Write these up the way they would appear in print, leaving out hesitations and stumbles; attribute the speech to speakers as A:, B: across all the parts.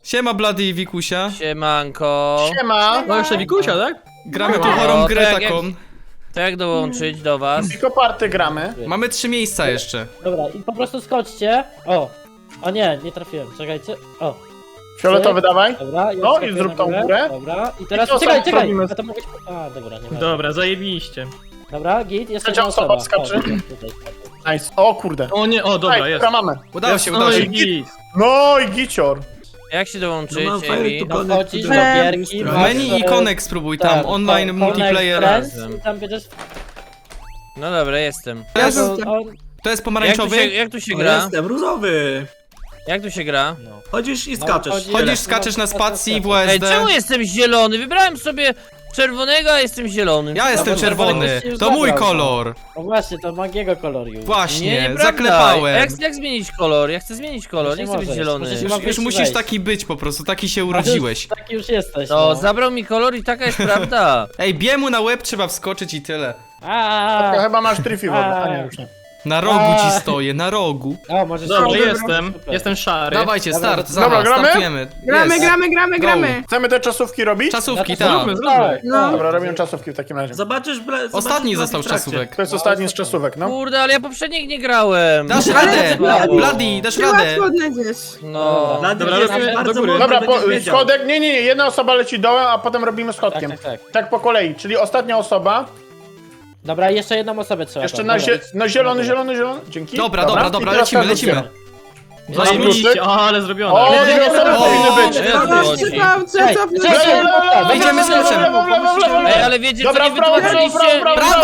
A: Siema Blady i Wikusia.
B: Siemanko.
C: Siema.
D: No jeszcze Wikusia, tak?
A: Gramy tu chorą grę taką.
B: To jak dołączyć do was?
C: Tylko party gramy.
A: Mamy 3 miejsca jeszcze.
E: Dobra, i po prostu skoczcie. O nie, nie trafiłem, czekajcie. O,
C: Fioletowy dawaj.
E: dobra. Ja
C: No,
E: skakuję
C: i zrób
E: na
C: tą górę.
E: Dobra, i teraz
C: I to
E: czekaj,
C: sam
E: czekaj.
C: robimy.
E: A to mogę... A, dobra, nie ma.
D: Dobra, zajebiście.
E: Dobra, git, jest
C: Trzecia
E: jedna
C: osoba
E: osoba.
C: skacze.
E: O, tutaj.
C: Nice. O kurde.
D: O nie, o dobra,
C: Ej,
D: jest.
C: dobra, mamy.
A: Udało się,
D: No
A: udało
D: i
A: się.
D: git.
C: No i gicior.
B: Jak się dołączyć,
F: No mam fajny
B: Amy?
F: tu-
E: No wchodzisz do
F: Connect,
E: gierki,
A: W
F: Tak,
A: menu i Connect spróbuj tam,
E: tak,
A: online
E: Connect
A: multiplayer.
E: Friends
B: razem.
E: i tam będziesz...
B: No dobra, jestem.
A: To jest,
E: on-
A: to jest
B: Jak
A: pomarańczowy?
B: tu się
F: O,
B: gra?
F: jestem różowy.
B: Jak tu się gra?
F: Chodzisz i
E: No,
F: skaczesz.
E: chodzi-
A: Chodzisz, skaczesz na spacji w
B: Ej,
A: USD.
B: czemu jestem zielony? Wybrałem sobie czerwonego, a jestem zielony.
A: Ja jestem
E: bo
A: czerwony.
E: to już
A: To mój
E: zabrał,
A: kolor.
E: No właśnie, to magiego koloru już.
A: Właśnie,
B: nieprawda.
A: zaklepałem.
B: Jak zmienić kolor? Ja chcę zmienić kolor, nie chcę być
E: możesz.
B: zielony.
E: Musisz-
A: Już musisz taki być po prostu, taki się urodziłeś.
E: Taki już jesteś,
B: No,
E: no.
B: zabrał mi kolor i taka jest prawda.
A: Ej, biemu na łeb trzeba wskoczyć i tyle.
C: To
E: A
C: chyba masz tryfi wody. A nie, już nie.
A: Na rogu ci stoję, na rogu.
E: O, możesz...
D: Dobra,
E: Super.
D: jestem szary.
A: Dawajcie, start,
C: Dobra,
A: zaraz,
C: gramy?
A: startujemy.
G: Gramy,
A: Jest.
G: gramy,
A: Go.
G: gramy.
C: Chcemy te czasówki robić?
A: Czasówki,
E: No to
A: tak.
D: zróbmy, zróbmy.
G: No.
C: Dobra, robimy czasówki w takim razie.
F: Zobaczysz,
A: Ostatni
F: zobaczysz
A: został z
F: w trakcie.
A: czasówek.
C: To jest ostatni z czasówek, no.
B: Kurde, ale ja poprzednich nie grałem.
A: Dasz radę!
B: Słabo.
A: Bloody, dasz
G: Ty
A: radę!
G: łatwo odnajdziesz.
B: No.
D: Dobra,
F: jest
D: robimy
F: bardzo
D: do góry.
F: mądry,
C: Dobra,
F: będziesz wiedział.
C: schodek. Nie, jedna osoba leci dołem, a potem robimy schodkiem.
E: Tak.
C: Tak po kolei, czyli ostatnia osoba.
E: Dobra, jeszcze jedną osobę trzeba.
C: Jeszcze
E: tam.
C: na
E: Dobra,
C: zielony. Dzięki.
A: Dobra,
C: I
A: dobra,
C: teraz
A: lecimy,
C: każdy
A: lecimy.
C: zbiera.
D: Zajebiście, o, ale zrobione.
C: O, dwie osoby
B: O,
C: powinny być.
B: o,
G: Dobra,
B: chodzi.
G: trzeba
E: Czekaj,
G: cofnąć.
E: czekaj.
A: Wyjdziemy z kluczem.
B: Ej, ale wiecie co,
C: Dobra,
B: nie
C: prawo,
B: wytłumaczyliście?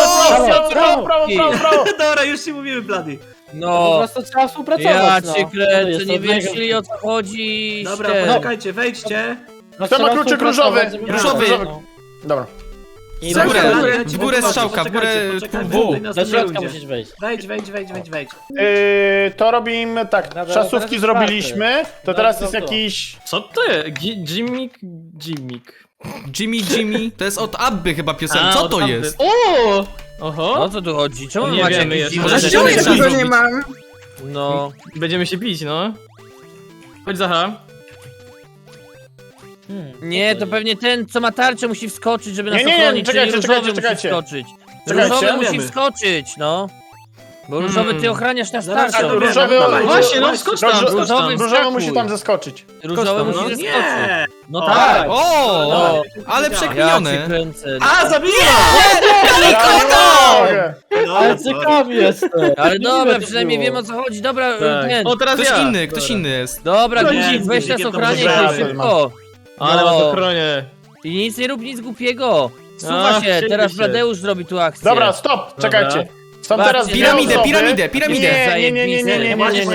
C: prawo.
F: Dobra, już ci mówimy, Blady.
E: Po
B: No.
E: prostu trzeba współpracować,
B: Ja
E: no.
B: cię
E: To
B: kręcę,
E: jest
B: nie
E: od niego.
B: wyjaśnili o co chodzi.
F: Dobra,
B: ście.
F: poczekajcie, wejdźcie.
E: No,
C: Kto ma
E: trzeba
C: kluczyk
E: współpracować,
C: różowy?
E: żeby-
A: Różowy.
E: No.
C: Dobra.
E: I
A: W górę,
F: Dobra,
A: w górę strzałka, w górę
F: poczekajcie,
A: W.
F: tutaj
E: do
F: następny
E: środka
F: ludzie.
E: musisz wejść.
F: Wejdź.
C: To robimy tak.
E: Dobra,
C: Czasówki
E: teraz
C: zrobiliśmy. To teraz jest
E: to.
C: jakiś.
D: Co ty? Jimik?
A: Jimmy, to jest od Abby chyba piosenka. Co to jest?
D: O! Oho.
B: O co tu chodzi? Czemu
D: Nie
B: macie
D: wiemy
B: jakieś
D: jeszcze.
B: dziwne
D: Może
B: rzeczy?
D: się
G: Ja
D: nie
G: tego
D: zrobić.
G: nie mam.
B: No.
D: Będziemy się bić, no. Chodź Zacha.
B: Nie, to pewnie ten, co ma tarczę, musi wskoczyć, żeby nas
C: Nie,
B: ochronić,
C: czekajcie,
B: czyli
C: czekajcie,
B: różowy
C: czekajcie.
B: musi wskoczyć.
C: Czekajcie.
B: Różowy musi
F: Wiemy.
B: wskoczyć, no. Bo różowy ty ochraniasz nas
F: Zaraz
B: tarczą.
F: się dowiemy.
C: różowy-
F: Dawaj,
D: Właśnie, no
F: dawaj.
D: skocz tam, skocz tam.
B: Różowy
C: Różowy
B: wskakuj.
C: musi tam zeskoczyć.
B: Różowy musi
D: no.
B: zeskoczyć.
F: Nie!
B: No
F: O,
B: tak.
A: O!
B: No.
A: Ale
B: Ja cię
A: przekminione.
B: kręcę.
F: A, zabiję!
E: Ale ciekawy jestem.
B: Ale dobra,
E: to
B: przynajmniej
E: było.
B: wiem o co chodzi. Dobra,
D: Tak.
B: ten.
D: O, teraz
A: Ktoś
D: ja.
A: inny, ktoś inny jest.
B: Dobra,
F: No
B: Guzik,
F: nie,
B: weź nas
F: Guzikiem to
B: ochraniaj
C: może
B: tutaj
C: ja
B: szybko.
D: Ale
B: No.
D: was ochronię.
B: I nic nie rób, nic głupiego. Suwa
D: A,
B: się,
D: chcieliście.
B: teraz Bladeusz zrobi tu akcję.
C: Dobra, stop, czekajcie. Są
B: Patrzcie,
C: teraz dwie
A: Piramidę,
C: osoby.
A: piramidę, piramidę.
C: Nie.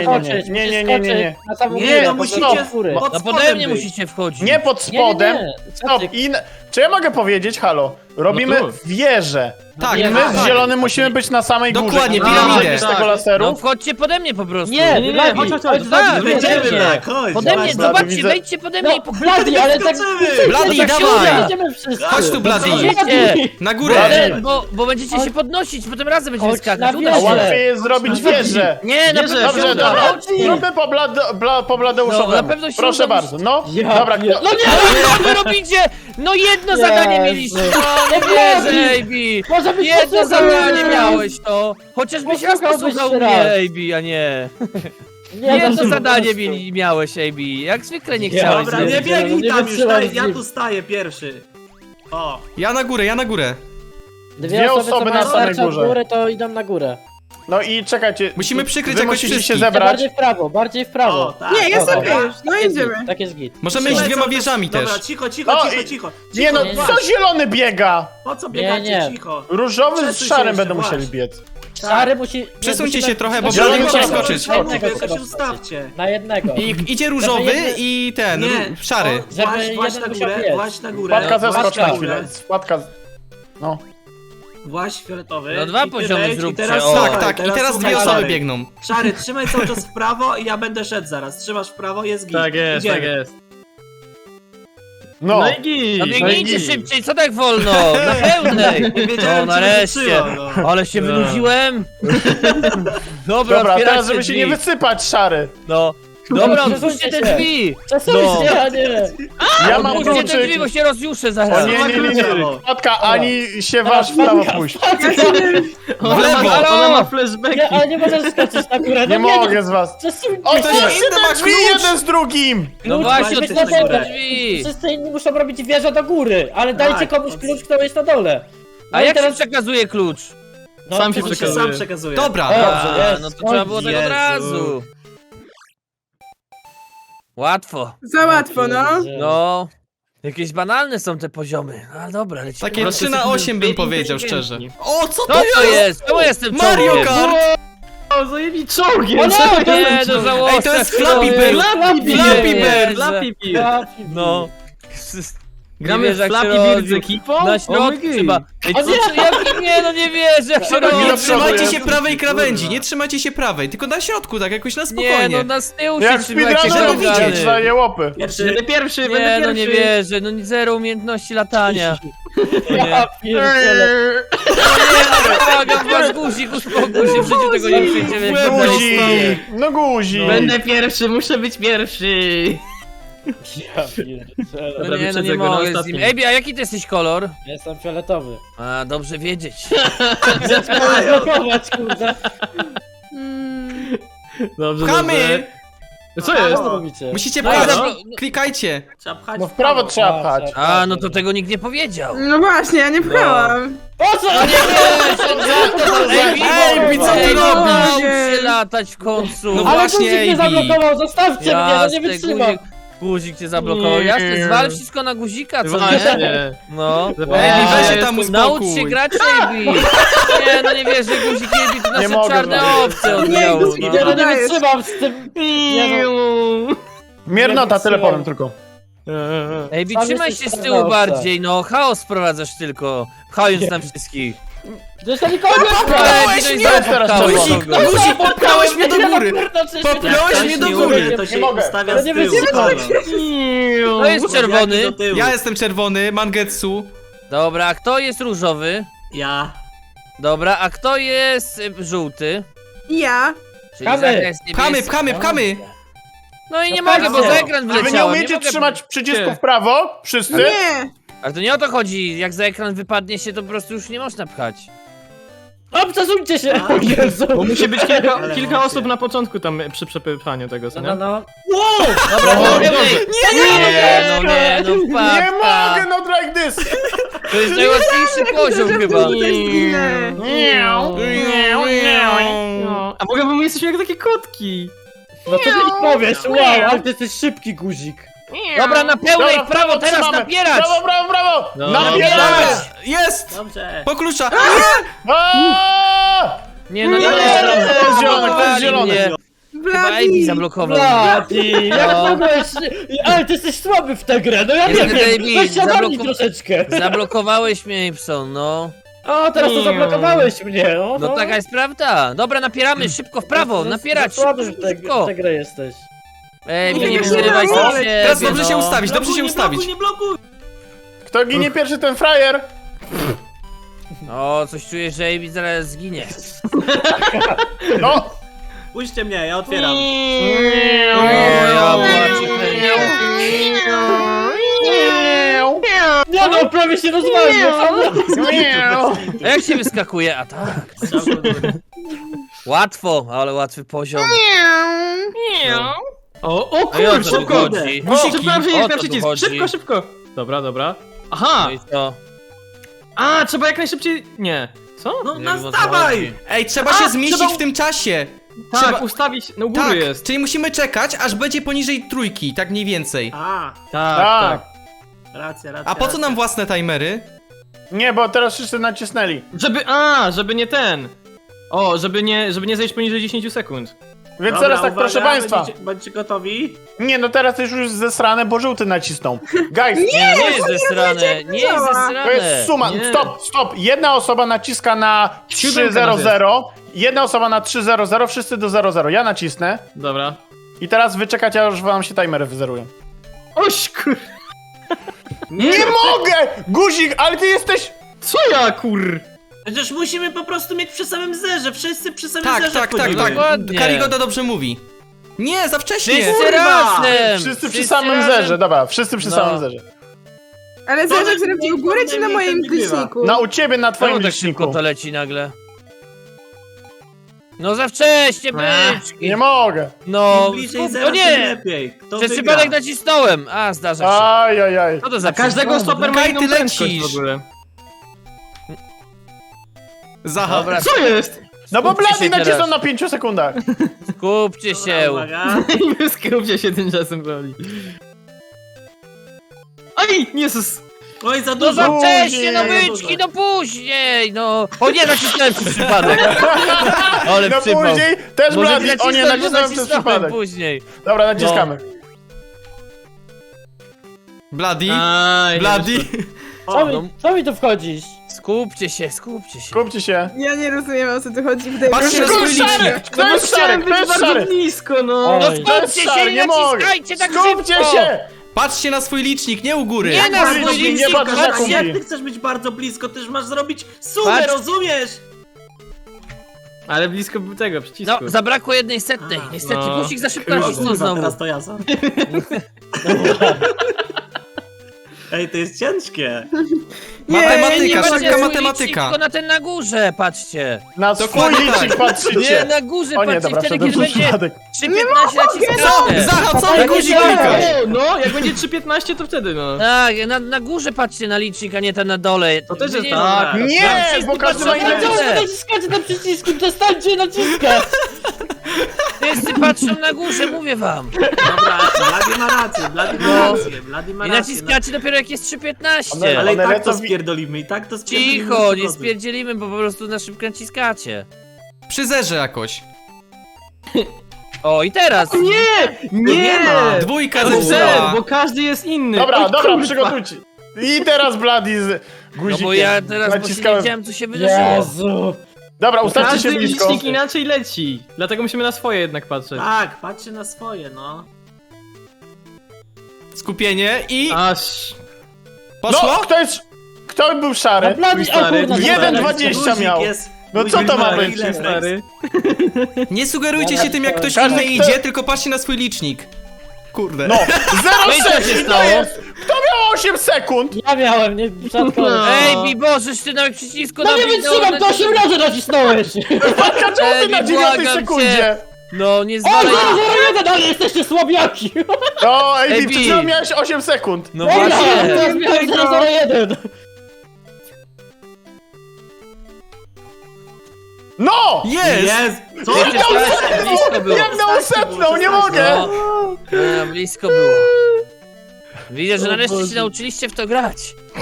F: Nie,
E: musicie
F: musicie
E: góry.
F: pod
B: No
F: spodem
B: pode mnie
F: być.
B: musicie wchodzić.
C: Nie pod spodem. Stop. Czy ja mogę powiedzieć, halo? Robimy
D: No tu.
C: wieżę.
A: Tak,
C: I my
A: tak.
C: z zielonym musimy być na samej górze.
A: Dokładnie,
C: I
A: piramidę.
C: nie z
D: Tak.
C: tego
B: No
C: laseru.
B: wchodźcie pode mnie po prostu.
E: Nie,
D: nie,
E: Blady,
D: chodź,
E: chodź,
B: tak,
F: Będziemy
B: Chodźcie.
F: tak, chodź.
B: Pode mnie,
C: Blady,
B: zobaczcie,
C: widzę.
B: wejdźcie pode mnie i
E: No, Blady, ale tak...
A: Blady,
E: tak się
A: dawaj.
E: jedziemy wszyscy.
A: Chodź tu, Blady.
B: Idziecie.
A: Na górę.
C: Blady.
B: Bo będziecie się podnosić, potem razem będziemy
E: Chodź
B: skakać.
E: na
B: Uda
C: A
E: wieżę.
B: się.
C: łatwiej jest zrobić wieżę.
B: Nie, na
D: Wieżę,
B: pewno się
C: Dobrze,
B: uda.
C: dobra.
B: Chodźcie.
C: Zróbmy po Bladeuszowi.
B: No, na pewno się
C: Proszę
B: uda.
C: bardzo, no.
E: Ja
C: Dobra,
E: pier-
C: kto...
B: No co wy robicie? No jedno zadanie mieliście. No nie wierzę, AB.
E: Może byś
B: Jedno
E: posłuchał
B: zadanie
E: mnie.
B: miałeś to. Chociażbyś raz
E: Posłuchałbyś
B: posłuchał
E: raz.
B: mnie, AB, a nie.
E: Nie,
B: Jedno
E: no,
B: zadanie
E: po prostu.
B: miałeś, AB. Jak zwykle nie chciałeś.
F: Dobra,
B: zrobić.
F: nie biegnij
E: Nie
F: tam już,
E: wytrzymam
F: daj, ja
E: z nim.
F: tu staję pierwszy. O,
A: Ja na górę.
E: Dwie osoby
C: osoby
E: co
C: na
E: mają
C: samej
E: tarczę od
C: górze.
E: góry, to idą na górę.
C: No i czekajcie.
A: Musimy przykryć
C: wy
A: jakoś
C: musicie się
A: wszystkich.
C: zebrać.
E: Bardziej w prawo.
F: o, tak.
G: Nie, jest
E: Dobra.
G: okej już. No
E: Tak jest
G: idziemy.
E: git, tak jest git.
A: Możemy iść
F: Trzymaj
A: dwiema
F: cały czas-
A: wieżami też.
F: Dobra, cicho.
C: No Nie no,
E: nie.
C: co zielony biega?
F: Po co
E: Nie,
F: biegacie,
E: nie.
F: cicho?
C: Różowy z
F: Przesuń się
C: szarym
F: jeszcze,
C: będą musieli
F: właśnie.
C: biec.
E: Szary musi...
A: Przesuńcie
E: musimy-
A: się trochę, bo
C: Zielony
A: Blady musi
C: trzeba
A: skoczyć.
E: Na jednego
F: Tylko się
E: trzeba
F: ustawcie.
E: Na jednego.
A: I idzie różowy i ten,
F: Nie,
A: szary.
E: Żeby
F: Właź
E: jeden
F: na
E: musiał
F: górę,
E: biec.
F: właź na górę.
C: Wpadka
F: właź
C: zeskocz na
F: na
C: chwilę.
F: górę.
C: Wpadka. No.
F: Właź fioletowy.
B: No dwa
F: I ty
B: poziomy
F: wejdź,
B: zróbcie,
F: I teraz,
B: o.
F: słuchaj,
A: Tak, i teraz
F: słuchaj,
A: dwie osoby
F: szary.
A: biegną.
F: Szary, trzymaj cały czas w prawo i ja będę szedł zaraz. Trzymasz w prawo, jest git.
D: Tak jest,
F: Idziemy.
D: tak jest.
C: No.
D: No i git.
B: No biegnijcie
C: No i-
B: szybciej, co tak wolno? Na pełnej.
F: Nie wiedziałem,
B: No
F: czy
B: nareszcie.
F: wysyła, no.
B: Ale się
D: No.
B: wynudziłem. Dobra,
C: Dobra,
B: otwierajcie
C: teraz żeby się
B: drzwi.
C: nie wysypać, szary.
B: No. Dobra,
E: Przesuńcie
B: otwórzcie te
E: się.
B: drzwi!
E: Przesuńcie, a nie!
C: Ja mam
B: Otwórzcie te drzwi,
C: kluczyk.
B: bo się rozjuszę
C: O
B: zaraz.
C: nie. Wpadka, ani się waż w prawo pójść.
D: Ona ma
E: Nie,
D: flashbacki.
E: ale nie możesz skoczyć na górę,
C: Nie
E: no
C: mogę z was.
E: Przesuńcie
C: O,
E: się!
C: to
A: inny ma
C: te drzwi
A: klucz.
C: jeden z drugim!
B: No
E: Klucz
B: właśnie,
E: musi być
B: otwórzcie
E: na
B: te
E: dole.
B: drzwi!
E: Wszyscy inni muszą robić wieżę do góry, ale dajcie
F: Tak,
E: komuś
F: to-
E: klucz, kto jest na dole.
B: A jak się przekazuje klucz?
E: No,
D: Sam się
F: On się
D: przekazuje.
F: sam przekazuje.
A: Dobra.
E: Dobrze,
B: A,
E: jest.
B: no to trzeba było tak od
F: Jezu.
B: razu. Łatwo.
G: Za łatwo, no.
B: No. Jakieś banalne są te poziomy. A dobra, lecimy.
A: Takie
D: prostu
A: 3 na
D: jesteśmy
A: 8 bym
D: biedni,
A: powiedział
D: inteligentni.
A: szczerze. O, co
B: Co
A: to
B: to
A: jest?
B: jest? Czemu jestem
A: Mario
B: czołgiem?
A: Kart!
D: O, zajebi czołgiem!
E: O no,
D: co
E: to
D: jest?
B: Nie, to żałosne.
A: Ej, to jest Flappy Bird! Flappy Bird!
D: Flappy Bird!
B: No.
D: Gramy
B: wiesz,
D: w
B: jak się
D: Flappy Bird z
B: robi.
D: ekipą?
B: Na środku trzeba. Ej,
E: O
B: co,
E: nie!
B: jak, nie, no nie wierzę, jak się
C: No
B: robi.
C: nie,
A: Nie trzymajcie
C: jest.
A: się prawej krawędzi, nie trzymajcie się prawej, tylko na środku, tak jakoś na
B: Nie,
A: spokojnie.
B: no na z tyłu
C: Jak
B: się trzymajcie,
C: speedrunner
A: żeby
C: widzieć,
A: widzieć.
C: daje łopy.
F: Pierwszy.
D: Będę pierwszy,
B: Nie,
D: będę
B: no
D: pierwszy.
B: nie wierzę, no zero umiejętności latania.
E: Ja pierdzielę.
B: Nie, no błagam was, guzik, uspokój się, w życiu tego nie przejdziemy. jak to
C: Guzik!
B: jest.
C: No guzik!
D: Będę pierwszy, muszę być pierwszy.
E: Ja pierdzielę.
B: No
D: Dobra,
B: nie, no
D: wyprzedzę
B: nie
D: go na
B: mogę z nim.
D: ostatnim.
B: Ej, a jaki ty jesteś kolor?
E: Jestem fioletowy.
B: A, dobrze wiedzieć.
E: Zablokować, kurde.
D: Dobrze,
A: Pchamy!
D: dobrze. Co
E: Co
D: jest?
E: robicie?
A: Musicie
B: No,
A: pchać,
B: dobra.
A: klikajcie.
F: Trzeba pchać
C: No w prawo trzeba pchać.
B: A, no to tego nikt nie powiedział.
G: No właśnie, ja nie pchałam.
E: Po co?
A: Ej, co ty
B: Ej, no,
A: robisz?
B: naucz się latać w końcu.
A: No
E: Ale
A: właśnie,
E: guzik mnie
A: Ejbi.
E: zablokował, zostawcie mnie, no nie
B: Jasne,
E: wytrzymam.
B: guzik cię zablokował. Jasne, zwal wszystko na guzika, co nie?
D: Właśnie.
B: No.
A: Ej, weźcie tam
B: Naucz się
A: uspokój.
B: grać, Ejbi! Nie, no nie wiesz, że guzik Ejbi to nasze
C: mogę,
B: czarne
C: no.
B: owce odmiały.
G: guzik,
E: Nie, no
B: No.
E: nie wytrzymam z tym. Nie, no.
C: Miernota, tyle powiem tylko.
B: Ejbi,
E: Sam
B: trzymaj
E: jesteś
B: się z
E: czarna
B: tyłu
E: owca.
B: bardziej, no. Chaos wprowadzasz tylko, pchając nam wszystkich.
E: Zresztą nikogo nie
A: Popchnąłeś
B: Ej,
A: mnie!
B: to jest
C: teraz
B: popchałeś
C: czerwono.
B: kogo.
A: Guzik, popchnąłeś mnie do góry!
E: Popchnąłeś
A: Popchnąłeś mnie do góry!
F: To się
C: Nie mogę.
F: ustawia
E: Ale
F: z
E: nie
F: tyłu.
E: wytrzymam.
F: Halo.
B: Kto jest czerwony?
F: Do tyłu.
A: Ja jestem czerwony, Mangetsu.
B: Dobra, a kto jest różowy?
F: Ja.
B: Dobra, a kto jest żółty?
G: Ja.
B: Czyli
E: Pchamy.
B: Zachar jest
A: Pchamy,
B: niebieski.
A: pchamy, pchamy!
B: No i nie
E: No
B: mogę, bo
E: pchamy.
B: za ekran
C: A wy nie
B: wyleciałem.
C: umiecie
B: mogę-
C: trzymać przycisku
D: Gdzie?
C: w prawo? Wszyscy?
G: Nie.
B: Ale to nie o to chodzi, jak za ekran wypadnie się, to po prostu już nie można pchać.
E: O, przesuńcie się!
F: A.
E: O Jezu!
D: Bo musi być
F: Ale
D: kilka
F: macie.
D: osób na początku tam przy przepychaniu tego, co
E: No,
D: nie?
E: no.
B: Dobra,
C: O,
B: no,
C: nie
B: nie, no nie, no
C: Nie
B: wpadka.
C: mogę, not like this!
B: To jest najłatwiejszy poziom chyba.
D: A mogę, bo my jesteśmy jak takie kotki.
E: No co ty mi powiesz? Wow, ale ty jesteś szybki guzik.
B: Dobra, na pełnej,
C: Dobra,
B: w prawo, teraz
C: trzymamy.
B: napierać!
C: Brawo, brawo, brawo!
D: No.
C: Napierać!
A: Jest!
F: Dobrze.
A: Po klucza!
C: Aaaa!
B: Nie, no nie,
C: To jest zielone, to jest zielone.
B: Chyba Ejbi
G: Bladi.
B: zablokował.
E: Bladi, jak
B: No.
E: mogłeś? Ale ty jesteś słaby w tę grę, no ja nie
B: Niestety,
E: wiem.
B: Ejbi,
E: Weź się ogarnij
B: zabloko-
E: troszeczkę.
B: Zablokowałeś mnie, Ipson, no.
E: O, teraz to zablokowałeś mnie, no.
B: No taka jest prawda. Dobra, napieramy, szybko w prawo, napierać,
E: Słaby
B: szybko,
E: w tę
B: szybko.
E: grę jesteś.
B: Ejbi,
G: Nie
B: nie
G: wiem,
B: przerywaj
G: no.
B: sobie.
A: Teraz dobrze się ustawić, dobrze się
F: nie blokuj,
A: ustawić.
F: nie blokuj.
C: Kto ginie pierwszy, ten frajer?
B: O, coś czuję, że Ejbi zaraz zginie.
C: No!
F: Puśćcie mnie, ja otwieram.
B: O, ja płaczę,
E: Nie no, prawie się rozwalił.
B: A jak się wyskakuje? A tak. Łatwo, ale łatwy poziom.
D: O
B: A i o
D: kurczę,
B: co tu
D: szybko!
B: chodzi?
D: Przepraszam,
B: O
D: jak
B: co
D: na
B: tu
D: przycisk.
B: chodzi?
D: Szybko, szybko. Dobra, dobra. Aha!
B: No i co?
D: A, trzeba jak najszybciej... Nie. Co?
F: No
B: Nie wiem, o co
F: nastawaj!
B: chodzi.
A: Ej, trzeba się zmieścić
D: trzeba-
A: w tym czasie.
D: Tak,
A: Trzeba-
D: ustawić... No u góry
A: Tak,
D: jest.
A: czyli musimy czekać, aż będzie poniżej trójki, tak mniej więcej.
F: A,
D: Tak,
C: Tak.
D: tak.
F: racja.
A: A po co nam własne timery?
C: Nie, bo teraz wszyscy nacisnęli.
D: Żeby nie ten. O, żeby nie zejść poniżej 10 sekund.
C: Więc
F: Dobra,
C: teraz tak,
F: uwaga,
C: proszę państwa.
F: Bądźcie gotowi.
C: Nie, no teraz już jest zesrane, bo żółty nacisnął. Guys,
B: Nie, nie jest zesrane, nie jest
C: to
B: zesrane.
C: jest suma.
D: Nie.
C: Stop. Jedna osoba naciska na
D: Siódemka
C: 300, jedna osoba na 300, wszyscy do 00. Ja nacisnę.
D: Dobra.
C: I teraz wy czekacie, aż wam się timery wyzerują.
D: Oś kur...
C: Nie mogę! Guzik, ale ty jesteś...
D: Co ja kur...
F: Przecież musimy po prostu mieć przy samym zerze, wszyscy przy samym
A: Tak,
F: zerze
A: tak, tak,
F: wchodzimy.
A: tak.
B: Dokładnie.
A: Karigoda dobrze mówi. Nie, za wcześnie!
B: Wszyscy razem!
C: Wszyscy przy samym zerze, dobra, wszyscy przy samym zerze.
G: Ale zależy, czy robić u góry, czy na moim liczniku?
C: U ciebie, na twoim
B: Czemu tak szybko
C: liczniku.
B: to leci nagle? No za wcześnie, byczki!
C: Nie mogę.
B: No,
F: Im bliżej
B: o
F: zera, tym
B: nie!
F: lepiej. Kto
B: Przez
F: wygra?
B: przypadek nacisnąłem! A, zdarza się.
C: Ajajaj.
B: Co to za
D: Każdego stoper ma
A: Kaj,
D: inną
A: ty
D: prędkość
A: lecisz.
D: w ogóle.
A: Zaha.
B: Dobra,
D: Co jest?
C: No bo
B: Skupcie
C: Blady
B: się
C: nacisnął
B: teraz.
C: na 5 sekundach.
B: skupcie się!
F: Uwaga.
D: Skupcie się tymczasem, Blady. Oj, Jezus!
F: Oj, za
B: No
F: dużo.
B: za wcześnie, no
C: Później.
B: byczki, no później, no! O nie, nacisnąłem przez przypadek! Ale
C: No
B: przypał.
C: później też
B: Może
C: Blady. O nie,
B: nacisnąłem, bo
C: nacisnąłem przez przypadek.
B: później.
C: Dobra, naciskamy.
A: Bloody.
D: Aj,
A: Bloody.
E: Co mi tu wchodzisz?
B: Skupcie się, skupcie się.
C: Skupcie się.
G: Ja nie rozumiem, o co tu chodzi. Wydaje mi
A: Patrzcie
G: się,
A: na
G: że...
A: swój licznik.
C: Kto jest szary? Kto jest szary?
D: blisko, no!
B: No
E: Oj.
B: skupcie się,
C: szary,
B: nie
C: nie mogę.
B: naciskajcie tak
C: Skupcie
B: szybko!
C: się!
A: Patrzcie na swój licznik, nie u góry.
B: Nie na
C: Bardzo
B: swój
C: blisko,
B: licznik,
C: nie patrz na
B: patrzcie!
C: kumpli.
F: Jak ty chcesz być bardzo blisko, też masz zrobić sumę,
B: Patrz.
F: rozumiesz?
D: Ale blisko był tego przycisku.
B: No, zabrakło jednej setnej.
F: A,
B: Niestety,
D: no.
B: Kusik za szybko
F: O
B: nacisnął
F: kurwa,
B: znowu.
F: teraz to ja sam. Ej, to jest ciężkie.
A: Matematyka,
B: patrzcie
A: szybka
B: na swój
A: matematyka.
B: licznik, tylko na ten na górze, patrzcie.
C: Na swój
A: Dokładnie
C: licznik
A: tak.
B: Nie,
C: patrzycie.
B: na górze
C: O nie,
B: patrzcie,
C: dobra,
B: wtedy
C: wszedłem
B: kiedy
C: przez
B: będzie
C: przypadek.
B: 3.15
A: Co?
B: naciskacie.
A: Zaha, co
E: Tak,
A: ty guzik
E: nie
A: klikasz?
D: No, jak będzie 3.15 to wtedy, no.
B: Tak, na górze patrzcie na licznik, a nie ten na dole.
D: To też
B: Wy
D: jest
B: nie-
D: tak.
C: Nie,
B: wszyscy
C: bo każdy ma
B: patrzą
C: inne
B: na
C: licznik.
B: górę.
E: Naciskacie na przycisku, przestańcie naciskać!
B: Wszyscy patrzą na górze, mówię wam.
F: Dobra, Blady ma rację, Blady ma
B: No.
F: rację, Blady ma
B: I
F: rację.
B: naciskacie dopiero jak jest 3.15.
F: Ale i
C: One
F: tak
C: lecą
F: to spierdolimy, i tak to spierdolimy.
B: Cicho, nie
F: zgody.
B: spierdzielimy, bo po prostu na szybko naciskacie.
A: Przy zerze jakoś.
B: O, i teraz.
F: Nie ma.
A: Dwójka
D: Ale ser,
A: zepsuła.
D: bo każdy jest inny.
C: Dobra,
D: Oj,
C: dobra,
D: kurwa.
C: przygotujcie. I teraz Blady z
B: No
C: guzikiem.
B: bo ja teraz właśnie nie
C: Naciskałem.
B: wiedziałem, co się wydarzyło.
E: Jezu!
C: Dobra, ustawcie
D: Każdy
C: się blisko.
D: licznik inaczej leci. Dlatego musimy na swoje jednak patrzeć.
F: Tak, patrzcie na swoje, no.
A: Skupienie i...
D: Aż...
A: Poszło?
C: No, kto był
E: A
C: szary?
E: Blady, o
D: stary,
E: kurna,
C: 1,20 miał. No co to ma być?
D: Stary.
A: Nie sugerujcie się tym, jak ktoś
C: Każdy,
A: inny
C: kto-
A: idzie, tylko patrzcie na swój licznik. Kurde.
C: No,
B: No i co
C: 0,6
B: się
C: i to
B: stało?
C: jest. Kto miał 8 sekund?
E: Ja miałem, nie przypadkowo.
D: No.
B: Ej, Bibożeś, ty nawet przycisku
E: No nie wytrzymam, to 8 razy nacisnąłeś!
C: Patka, czemu ty
B: Ej,
C: na 9
B: błagam
C: sekundzie?
B: cię. No, nie
E: O,
B: zwalaj.
E: 001, ale jesteście słabiaki!
C: No,
B: Ej,
C: Ej,
B: Bi.
C: przed chwilą miałeś 8 sekund.
B: No
E: Dobra,
B: właśnie.
E: teraz miałem 001!
C: No!
A: Jest!
F: Jest! Co?
B: Wiecie, strasznie blisko było.
C: Jak na setną, nie mogę!
B: No, blisko było. Widzę, że nareszcie się nauczyliście w to grać.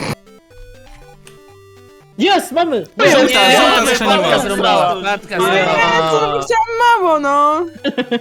E: Jest, mamy!
B: Nie,
A: żółta
B: nie,
A: strzeliła.
B: Patka zrąbała, Patka zrąbała.
G: Chciałam mało, no.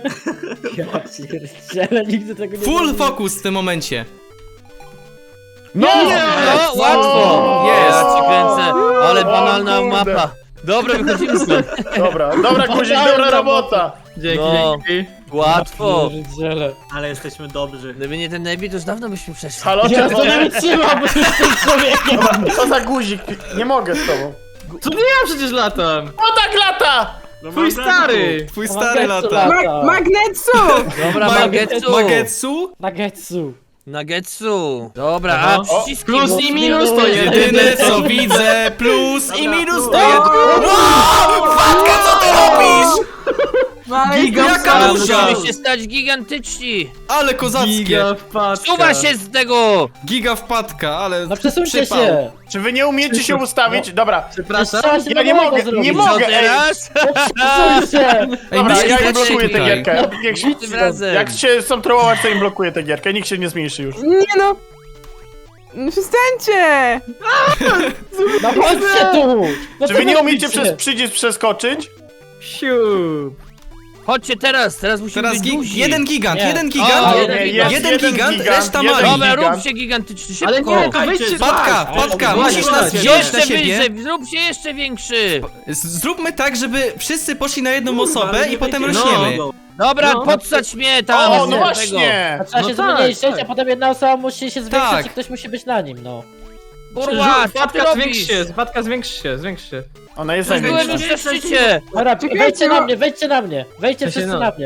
E: Ale nigdy tego nie
A: Full
E: zrobię.
A: focus w tym momencie.
C: No!
B: No, łatwo.
A: Jest.
B: Ja ci kręcę, ale
C: O
B: banalna
C: kurde.
B: mapa. Dobra, wychodzimy stąd.
C: Dobra, guzik, dobra robota.
D: Dzięki,
B: No.
D: dzięki.
B: Łatwo.
E: Pierdziele.
F: Ale jesteśmy dobrzy.
B: Gdyby nie ten Nebi, to już dawno byśmy przeszli.
C: Halo,
E: Ja to nie
C: czerwone?
E: wytrzymam, bo jestem człowiekiem!
C: Dobra, co za guzik? Nie mogę z tobą.
D: Co nie ja przecież latam?
C: O tak lata!
F: No,
D: Twój
F: mam
D: stary!
A: Twój stary
E: Magetsu
A: lata.
G: Magnetsu!
B: Dobra, Magetsu.
A: Magetsu?
E: Nagetsu.
B: Nagetsu. Dobra,
D: Aha.
B: a przyciski.
D: Plus
B: bo-
D: i minus to
A: Jedyne co widzę, plus i minus to
F: plus.
A: jest... Wow! Fatka, co ty robisz? Jaka
B: A,
A: duża!
B: musimy się stać gigantyczni.
A: Ale kozackie.
D: Giga wpadka.
B: Suwa się z tego.
A: Giga wpadka, ale
E: No przesuńcie
A: przypał.
E: się!
C: Czy wy nie umiecie się ustawić? Dobra,
D: Przepraszam.
E: Trzeba się
C: ja nie
E: nowego
C: mogę,
E: zrobić.
C: nie
B: Co
C: mogę, ej.
B: teraz?
E: Przesuń się!
C: Dobra,
A: myślę,
C: ja
A: że
C: im blokuję tę
A: tutaj.
C: gierkę. Niech
B: Tym razem.
C: Jak się chcą trollować, to im blokuję tę gierkę. Nikt się nie zmniejszy już.
G: Nie no. No przestańcie!
E: No chodźcie tu! No
C: Czy
E: co
C: wy nie umiecie
E: robicie?
C: przez przycisk przeskoczyć?
D: Siup.
B: Chodźcie teraz musimy
A: Teraz
B: być duzi.
A: jeden gigant,
E: Nie.
A: jeden
B: O,
A: gigant,
B: nie,
C: jest
A: jeden gigant, reszta
C: jeden
A: mali.
B: Dobra,
C: gigant.
B: róbcie gigantyczny, szybko.
D: Ale nie, to
F: Czekajcie,
D: wejdźcie...
A: Wpadka, wpadka,
D: Właśnie,
A: musisz nas
D: właśnie.
A: wziąć na
B: Jeszcze
A: siebie.
B: wyżej, zróbcie jeszcze większy.
A: Zróbmy tak, żeby wszyscy poszli na jedną
F: Kurwa,
A: osobę
F: ale
A: i
F: nie
A: potem
F: będzie-
A: rośniemy.
F: No.
B: Dobra,
D: No.
B: podsać mnie tam.
C: O,
B: z
C: no
B: tego.
C: właśnie!
E: A trzeba
D: No
E: się
D: tak,
E: zmniejszyć,
D: tak.
E: a potem jedna osoba musi się zwiększyć
A: Tak.
E: i ktoś musi być na nim, no.
B: Kurwa, co ty
D: Wpadka zwiększ
B: robisz?
D: się, wpadka zwiększ się.
C: Ona jest
B: Byłem
C: największa.
B: już na szczycie.
E: Dobra,
G: Czekajcie,
E: wejdźcie
G: no.
E: na mnie, wejdźcie na mnie. Wejdźcie
D: Ja się
E: wszyscy
D: no.
E: na mnie.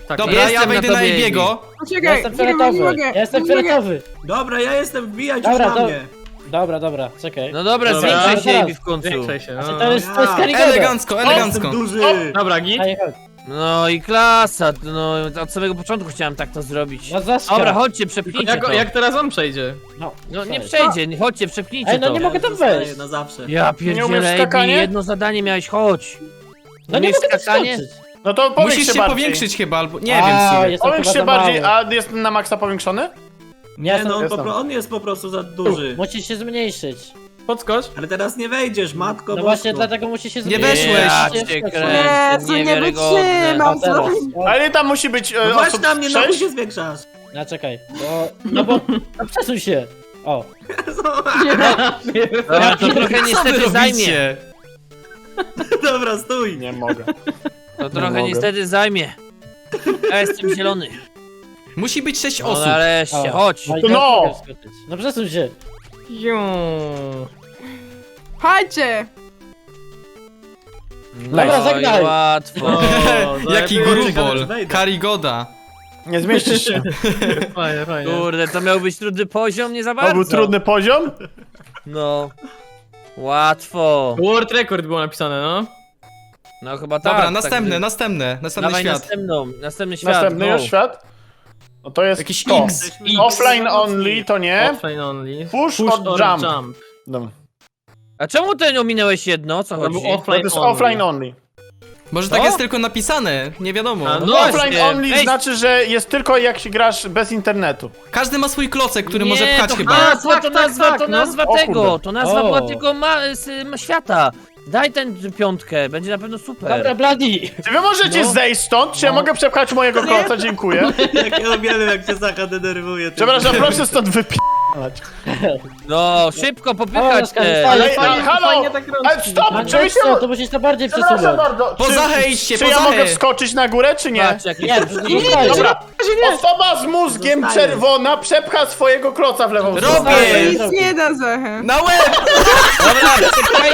D: Tak,
A: Dobra, ja
B: Jestem
A: wejdę
B: na
A: na
B: tobie,
A: Ebiego.
E: Ja
G: Poczekaj,
E: jestem
G: nie
E: fioletowy.
G: mogę.
E: Ja jestem
G: nie mogę.
E: fioletowy.
F: Dobra, ja jestem, wbijać już
E: Dobra,
F: na
E: to-
F: mnie.
E: Dobra, czekaj.
B: No dobra,
D: Dobra.
B: zwiększaj się
E: Teraz.
B: Ejbi w końcu.
D: Zwiększaj się,
E: Znaczy,
D: no.
E: to jest Karygoda.
A: Elegancko, elegancko.
F: Jestem duży.
D: Dobra, git.
E: Ej, chodź.
B: No i klasa, no od samego początku chciałem tak to zrobić.
E: No zaskar.
B: Dobra, chodźcie, przepchnijcie to.
D: Jak teraz on przejdzie?
B: No nie
E: cześć.
B: przejdzie, chodźcie, przepchnijcie
E: Ej, no
B: to.
E: nie mogę tam
F: Zostaję
E: wejść.
F: na zawsze.
B: Ja
C: Nie umiesz
B: pierdzielę, Ejbi,
C: skakanie?
B: jedno zadanie miałeś, chodź.
E: No nie
B: Umiesz
E: mogę tam
B: skakanie?
E: skoczyć.
C: No to powiększ
A: Musisz
C: się
A: się
C: bardziej.
A: powiększyć chyba, albo nie wiem w sumie.
E: Jestem
C: Powiększ
E: chyba
C: się
E: za
C: bardziej,
E: mały.
C: a jest na maksa powiększony?
F: Nie, no
C: Jestem.
F: on jest po prostu za duży.
E: Musisz się zmniejszyć.
D: Podskocz.
F: Ale teraz nie wejdziesz, matko
E: No właśnie
F: bosko.
E: dlatego musisz się
A: Nie
E: zmniejszyć.
A: weszłeś.
B: Ja
E: Nie
B: cię
E: wskoczyć.
B: kręcę,
G: Jezu, nie
B: niewiarygodne.
G: wytrzymam,
E: A teraz. O,
C: Ale tam musi być
F: No właśnie
C: osób
F: na mnie, no
C: 6?
F: się zwiększasz.
E: no czekaj. No przesuń się. O.
B: Dobra, to trochę
A: Co wy
B: niestety zajmie.
A: robicie?
F: Dobra, stój.
C: Nie mogę.
B: To trochę
C: mogę.
B: niestety zajmie. Ja jestem zielony.
A: Musi być 6
B: No
A: osób.
B: nareszcie,
E: O.
B: chodź.
E: No, i teraz
C: No.
E: mogę wskoczyć. No przesuń się.
G: Chodźcie.
E: Dobra,
B: No i
E: zagraj.
B: łatwo.
A: Jaki
F: Ciekawe,
A: grubol.
F: czy wejdę.
A: Karigoda.
C: Nie zmieścisz się.
D: Fajnie, fajnie.
B: Kurde, to miał być trudny poziom, nie za
C: To
B: bardzo.
C: był trudny poziom?
B: No. Łatwo.
D: World Record było napisane, no.
B: No chyba tak.
A: Dobra,
B: tak,
A: następny
B: Dawaj
A: świat.
B: następny świat.
C: Następny
B: go.
C: już świat? No to jest
A: Jakiś
C: to.
A: X.
C: Offline only to nie.
D: Offline only.
C: Push or jump. No.
B: A czemu ty ominąłeś jedno? Co
D: To
B: chodzi?
D: był
C: To
D: offline
C: jest
D: only.
C: offline only.
A: Może
B: Co?
A: tak jest tylko napisane, nie wiadomo.
D: A,
B: No
C: No
B: właśnie.
C: offline only
B: Ej,
C: znaczy, że jest tylko jak się grasz bez internetu.
A: Każdy ma swój klocek, który
B: nie,
A: może pchać
B: to
A: chyba.
B: Hasło,
D: Tak,
B: to
D: tak,
B: nazwa,
D: tak,
B: to
D: no.
B: nazwa
C: O
B: tego.
C: kurde.
B: To nazwa
E: O.
B: była tylko świata. Daj ten piątkę, będzie na pewno super.
E: Dobra, Bloody.
C: Czy wy możecie
B: No.
C: zejść stąd? Czy ja mogę przepchać mojego kloca? Dziękuję.
F: Jak ja uwielbiam, jak cię Zacha denerwuje. ty.
C: Przepraszam, proszę stąd wypi***ać.
B: No, szybko
E: O,
B: popychać
E: Oskar,
B: te.
E: ale
C: Ale, halo!
D: fajnie tak
C: Ale
D: rączki.
C: stop!
E: No
C: Czy,
E: nie, co, to musisz to bardziej
C: przepraszam
E: przesuwać.
C: bardzo.
A: Poza idźcie,
C: Czy ja
A: poza
C: mogę wskoczyć na górę, czy nie?
B: Patrz, jaki
E: Nie, nie, nie.
C: Dobra, osoba z mózgiem
F: Zostaję.
C: czerwona przepcha swojego kloca w lewą stronę.
A: Robię!
G: Nic nie da Zachę.
A: Na łeb!
B: Dobra, czekaj.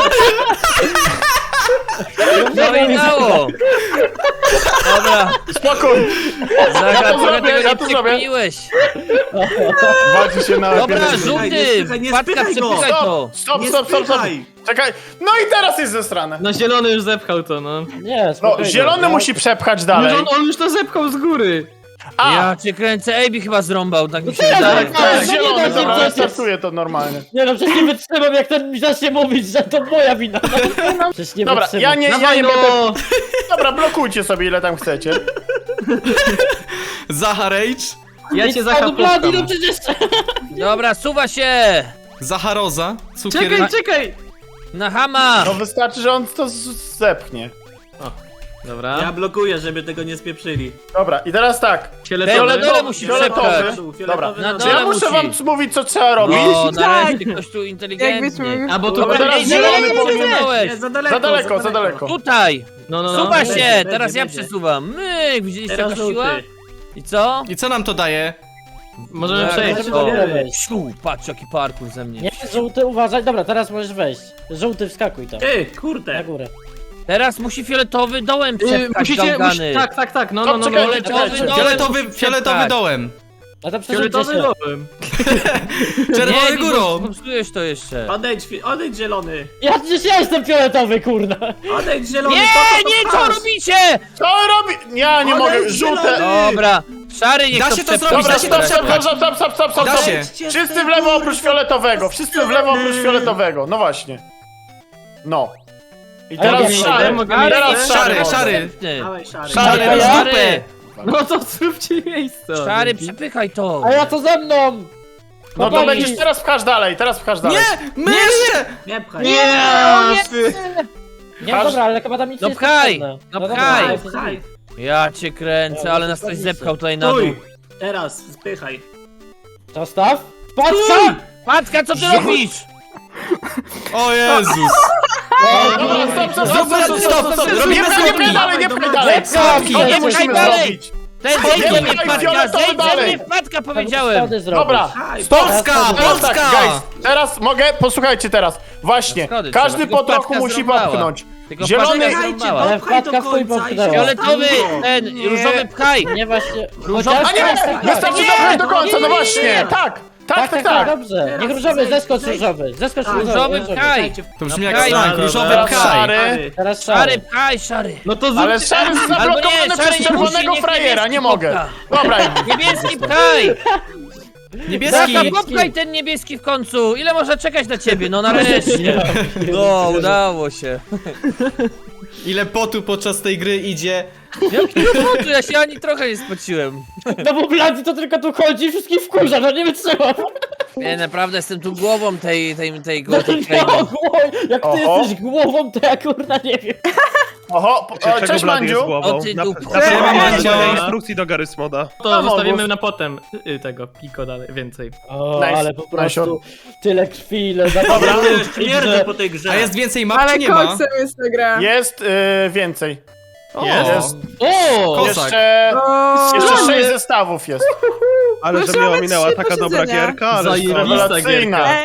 B: No i dało. Dobra,
C: Spokój!
B: Zaga,
C: to zrobię,
B: trochę tego
C: ja
B: nie
C: to zrobię.
B: przekminiłeś.
C: Walczy się na
B: Dobra,
C: lepiej.
B: żółty,
F: nie
B: Patka,
F: spychaj go.
B: przepychaj to.
C: Stop,
F: Nie
C: stop, stop, stop.
F: spychaj.
C: Czekaj. No i teraz jest zesrane.
D: No zielony już zepchał to, no.
E: Nie,
C: No,
E: spokojnie.
C: zielony musi przepchać dalej.
D: On już to zepchał z góry.
C: A,
B: Ja cię kręcę, Ejbi chyba zrąbał, tak mi się
E: teraz
B: wydaje.
E: tak,
C: to jest
E: no nie
C: zielony,
E: da się
C: dobra, ja
E: przecież.
C: startuję to normalnie.
E: Nie no, przecież nie wytrzymam, jak ten mi zacznie mówić, że to moja wina. No, przecież nie
C: Dobra,
E: wytrzymam.
C: ja nie
D: Dawaj,
C: będę...
D: no.
C: Dobra, blokujcie sobie ile tam chcecie.
A: Zaha Rage.
D: Ja cię
E: No Bloody, no
D: zachapam.
E: przecież...
B: Dobra, suwa się.
A: Zaha Roza. Cukier.
D: Czekaj, czekaj.
B: Na hama.
C: No wystarczy, że on to zepchnie.
D: Dobra.
F: Ja blokuję, żeby tego nie spieprzyli.
C: Dobra, i teraz tak.
B: Na dole musi
C: fioletowy.
B: przepchać.
C: Dobra.
B: Na
C: Czy
B: dole
C: ja muszę
B: musi.
C: wam mówić, co trzeba robić?
B: No, nareszcie
G: Tak.
B: ktoś tu
G: Jakbyśmy...
B: inteligentny.
D: A bo to
C: Dobra, teraz
B: Ej,
C: zielony
B: zielony
C: powinien...
B: przesunąłeś.
F: Nie, za daleko,
C: Za daleko, za daleko.
B: Tutaj.
D: No.
B: Suwa
F: Będzie,
B: się,
F: będzie,
B: teraz ja
F: będzie.
B: przesuwam. Myk, widzieliście
F: Teraz
B: jaka siła?
F: żółty.
B: I co?
A: I co nam to daje?
D: Możemy
B: Tak,
D: przejść.
E: Żeby
B: o.
E: do góry wejść.
B: Siu, patrz jaki parkour ze mnie.
E: Nie, żółty, uważaj. Dobra, teraz możesz wejść. Żółty, wskakuj tam.
F: Ty,
E: Na
F: kurde.
E: górę.
B: Teraz musi fioletowy dołem przepchać
D: Musicie,
B: gałgany.
D: tak, no.
C: Czekaj,
B: Fioletowy
C: czekajcie.
B: dołem
A: Fioletowy dołem.
E: A to przesuńcie
D: Fioletowy
E: się.
D: dołem.
A: Czerwony
B: Nie,
A: górą.
B: popsujesz to jeszcze.
F: Odejdź zielony.
E: Przecież ja jestem fioletowy, kurna.
F: Odejdź zielony.
B: Nie,
F: po
B: nie, co
F: pchasz?
B: robicie?
C: Co robi? Ja nie mogę,
F: Odejdź,
C: żółte...
F: zielony.
B: Dobra, szary niech
A: Da
B: to
A: się to
B: przepcha.
A: zrobić,
C: Dobra,
A: da się to
C: stop,
A: przepchać.
C: stop.
A: Da się.
C: Wszyscy w lewo oprócz fioletowego, wszyscy w lewo oprócz fioletowego, no właśnie. No. I
E: A ja
C: teraz
E: nie
C: szary,
D: mogę
B: Ale
C: teraz
A: szary,
C: szary.
A: szary.
F: Dawaj, szary.
A: Szary,
E: A ja?
A: masz dupę.
D: No to zróbcie miejsce.
B: Szary, przepychaj to.
E: A ja to ze mną!
C: No to
E: Chłopaki.
C: będziesz teraz pchasz dalej,
A: Nie! My jeszcze!
F: Nie pchaj.
E: Nie,
C: Aż-
E: dobra, ale chyba tam nic
B: No
E: nie jest
B: pchaj,
E: potrzebne.
B: no
E: dobra,
B: pchaj.
E: ale
F: Pchaj.
B: Ja cię kręcę, ale nas ktoś zepchał tutaj na dół.
F: Stój. Teraz, spychaj.
E: To staw? Patrz!
B: Patka, co ty robisz?
A: O Jezus!
C: Dobra, stop,
A: Zróbmy stop!
C: Nie
A: Robimy
C: pchaj
A: schodki!
C: dalej, nie pchaj dalej.
E: Schodki,
C: Schodki
B: nie
C: musimy
B: pchaj dalej.
C: zrobić.
B: Zejdzie mnie wpadka,
C: fioletowy
B: zejdzie
C: dalej.
B: mnie wpadka, powiedziałem.
E: Schody zrobić.
C: Dobra,
F: Haj,
C: stop!
A: Polska,
C: Teraz tak,
A: Polska!
C: guys, teraz mogę, posłuchajcie teraz. Właśnie,
B: Schody
C: każdy
B: trzeba,
C: po
B: tylko
C: trochu
B: wpadka
C: musi
B: zrąbała.
C: popchnąć.
B: Tylko
C: Zielony-
B: wpadka
F: Czekajcie,
B: zrąbała.
E: Ale
F: popchaj do
E: wpadka w chuj
F: końca i
E: popchnęła.
F: się-
B: Fioletowy,
F: No.
B: ten,
F: Nie.
B: różowy pchaj.
E: Nie właśnie.
B: Różowy-
C: A nie, wystarczy dopchać do końca, no właśnie, tak.
E: Dobrze.
F: Teraz
E: Niech różowy,
F: zejdź,
E: zeskocz
F: zejdź.
E: różowy. Zeskocz
F: Tak.
B: Różowy pchaj.
A: To brzmi
B: No,
A: jak
B: pchaj.
A: slang, różowy
C: Teraz
A: pchaj.
C: szary.
E: Teraz
B: Szary, pchaj, szary.
D: No to
C: Ale
D: zrób...
C: szary jest
B: Albo
C: zablokowany
B: nie, szary
C: przez
B: nie
C: czerwonego
B: musi, niech
C: frajera,
B: niebieski
C: nie mogę.
B: popcha.
C: Dobra,
B: Niebieski pchaj.
A: Niebieski!
B: Zaka, popchaj ten niebieski w końcu. Ile można czekać na ciebie? No nareszcie. No, udało się.
A: Ile potu podczas tej gry idzie.
B: Jakiego potu? Ja się ani trochę nie spociłem.
E: No bo Blady to tylko tu chodzi i wszystkich wkurza, no nie wytrzymam.
B: Nie, naprawdę jestem tu głową tej
E: No,
B: krainy.
E: jak ty
C: Oho.
E: jesteś głową, to ja kurna nie wiem.
C: oho, cześć
H: Blady jest
C: Mandziu.
H: głową?
B: O ty dupko.
A: Siema, Mandzio.
H: Instrukcji do Garysmoda.
D: To
C: No,
D: zostawimy
C: Bogus.
D: na potem tego, Piko dalej, więcej.
E: O,
C: Nice,
E: ale po prostu
C: nice.
E: tyle krwi, ile
C: Dobra.
F: Śmierdzę po tej grze.
A: A jest więcej map,
G: Ale
A: czy nie ma?
G: koksem jest ta gra.
C: Jest więcej.
A: O,
C: Jest.
B: O!
A: Kozak.
G: O,
C: Jeszcze 6 zestawów jest.
H: Ale że
G: Proszę,
H: mnie
G: mamy
H: ominęła
G: 3
H: taka dobra
G: posiedzenia.
H: gierka, ale
D: Zajebista
C: Rewelacyjna.
D: gierka.